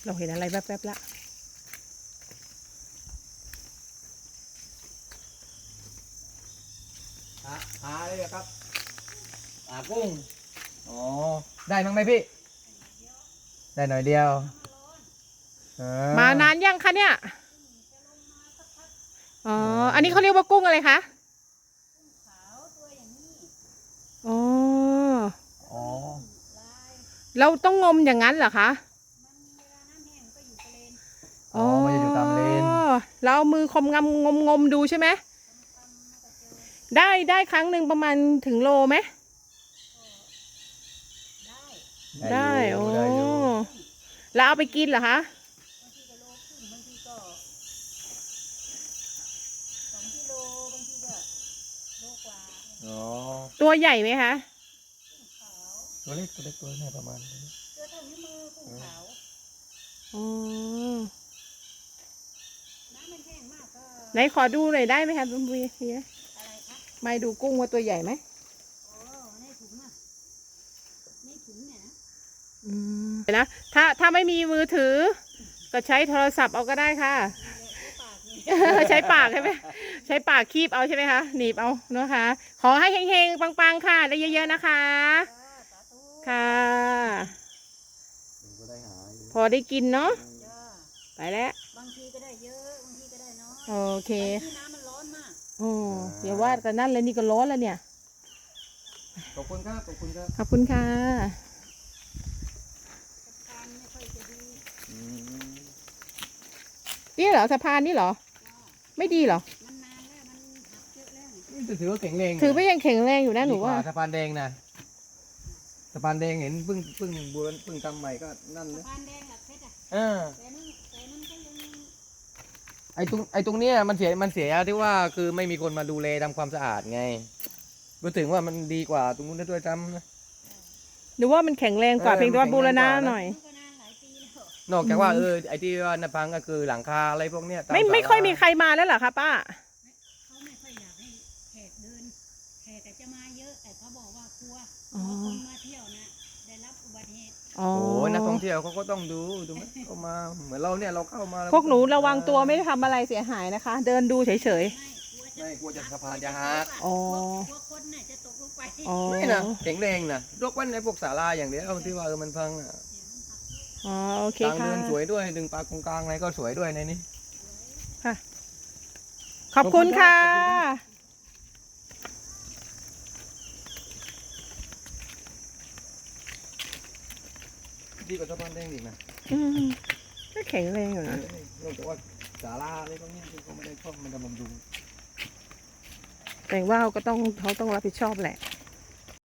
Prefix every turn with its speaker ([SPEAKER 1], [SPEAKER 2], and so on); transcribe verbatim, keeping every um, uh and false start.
[SPEAKER 1] เราเห็นอะไรแวบๆละ
[SPEAKER 2] หาหาเลยครับหากุ้งอ๋อได้มั้งไหมพี่ได้หน่อยเดียว
[SPEAKER 1] มานานยังคะเนี่ยอ๋ออันนี้เขาเรียกว่ากุ้งอะไรคะอ๋อ
[SPEAKER 2] อ๋อ
[SPEAKER 1] เราต้องงมอย่างนั้นเหรอคะ
[SPEAKER 2] อ๋อมันจะอยู่ตามเลน
[SPEAKER 1] เราเอามือคมงมงมงมดูใช่ไหมได้ได้ครั้งหนึ่งประมาณถึงโลไหมได้โอ้แล้วเอาไปกินเหรอคะ
[SPEAKER 2] อ๋อ
[SPEAKER 1] ตัวใหญ่ไหมคะ
[SPEAKER 2] ตัวเล็กตัวเล็กตัวนี้ประมาณนี้
[SPEAKER 3] ตัวเท่านิ้วมือกุ้งขาว
[SPEAKER 1] อ๋อ
[SPEAKER 3] น้ำมันแห้งมากก็
[SPEAKER 1] ไหนขอดูหน่อยได้ไหมคะคุณพี่อะไรคะไม่ดูกุ้งว่าตัวใหญ่ไหม
[SPEAKER 3] โอ้ในถุงอ่ะในถุงเนี่ยนะ
[SPEAKER 1] อืมนะถ้าถ้าไม่มีมือถือก็ใช้โทรศัพท์เอาก็ได้ค่ะใช้ปากใช่ไหมใช้ปากคีบเอาใช่ไหมคะหนีบเอานะคะขอให้เฮงๆปังๆค่ะได้เยอะๆนะคะค่ะพอได้กินเนาะไปแล้ว
[SPEAKER 3] บางทีก็ได้เยอะบางทีก็ได้น้อย
[SPEAKER 1] โอเค
[SPEAKER 3] ที่น้ำมันร้อนมาก
[SPEAKER 1] โอ้เดี๋ยวว่าแต่นั่นเลยนี่ก็ร้อนแล้วเนี่ย
[SPEAKER 2] ขอบคุณครับขอบคุณครับ
[SPEAKER 1] ขอบคุณค่ะ
[SPEAKER 3] การไม่ค่อยจะดี
[SPEAKER 1] นี่เหรอสะพานนี่เหรอไม่ดีเหรอ
[SPEAKER 3] มันนานแล้วมันหักเยอะแล้ว
[SPEAKER 2] นี่ถือว่าแข็งแรง
[SPEAKER 1] ถือว่ายังแข็งแรงอยู่นะหนูว่า
[SPEAKER 2] สะพานแดงนะสะพานแดงเห็นเพิ่งเพิ่งบูรณเพิ่งทำใหม่ก็นั่นเลย
[SPEAKER 3] สะพานแดงหลักเพชรอ่ะ
[SPEAKER 2] เออ
[SPEAKER 3] แต่นั่นแต่นั่นก็ยัง
[SPEAKER 2] ไอ้ตรงไอ้ตรงเนี้ยมันเสียมันเสียที่ว่าคือไม่มีคนมาดูแลทำความสะอาดไงพูดถึงว่ามันดีกว่าตรงนู้นด้วยซ้ำนะ
[SPEAKER 1] หรือว่ามันแข็งแรงกว่าเพียงแต่ว่าบูรณะหน่อย
[SPEAKER 2] นอกจากว่าเออไอ้ที่ว่าน้ำพังก็คือหลังคาอะไรพวกเนี้ย
[SPEAKER 1] ไม่ไม่ค่อยมีใครมาแล้วเหรอคะป้า
[SPEAKER 3] เขาไม่ค่อยอยากให้แขกเดินแขกจะมาเยอะแต่เขาบอกว่ากลัวคนมาเที่ยวนะได้รับอุบัติเหตุ
[SPEAKER 2] โอ้นักท่องเที่ยวเขาก็ต้องดูดูไหมเขามาเหมือนเราเนี่ยเราเข้ามา
[SPEAKER 1] พวกหนูระวังตัวไม่ได้ทำอะไรเสียหายนะคะ เดินดูเฉย
[SPEAKER 2] ๆไม่กลัวจะสะพานจะหัก
[SPEAKER 1] อ๋อก
[SPEAKER 3] ลัวคนน่ะจะตกลงไป
[SPEAKER 2] ไม่นะแข็งแรงนะยกเว้นในพวกศาลาอย่างเดียวที่ว่าเออมันพังอ่ะ
[SPEAKER 1] อ๋อโอเคค่ะ
[SPEAKER 2] ทางเดินสวยด้วยดึงปลากงกลางอะไรก็สวยด้วยในนี้
[SPEAKER 1] ค่ะขอบคุณค่ะ
[SPEAKER 2] ดีกว่าสะพานแดงอีกนะ
[SPEAKER 1] อืมก็แข็งแรงอยู่นะ
[SPEAKER 2] นอกจากว่าศาลาอะไรพวกนี้ที่เขาไม่ได้ชอบมันจะบำรุง
[SPEAKER 1] แต่ว่าเขาก็ต้องเขาต้องรับผิดชอบแหละ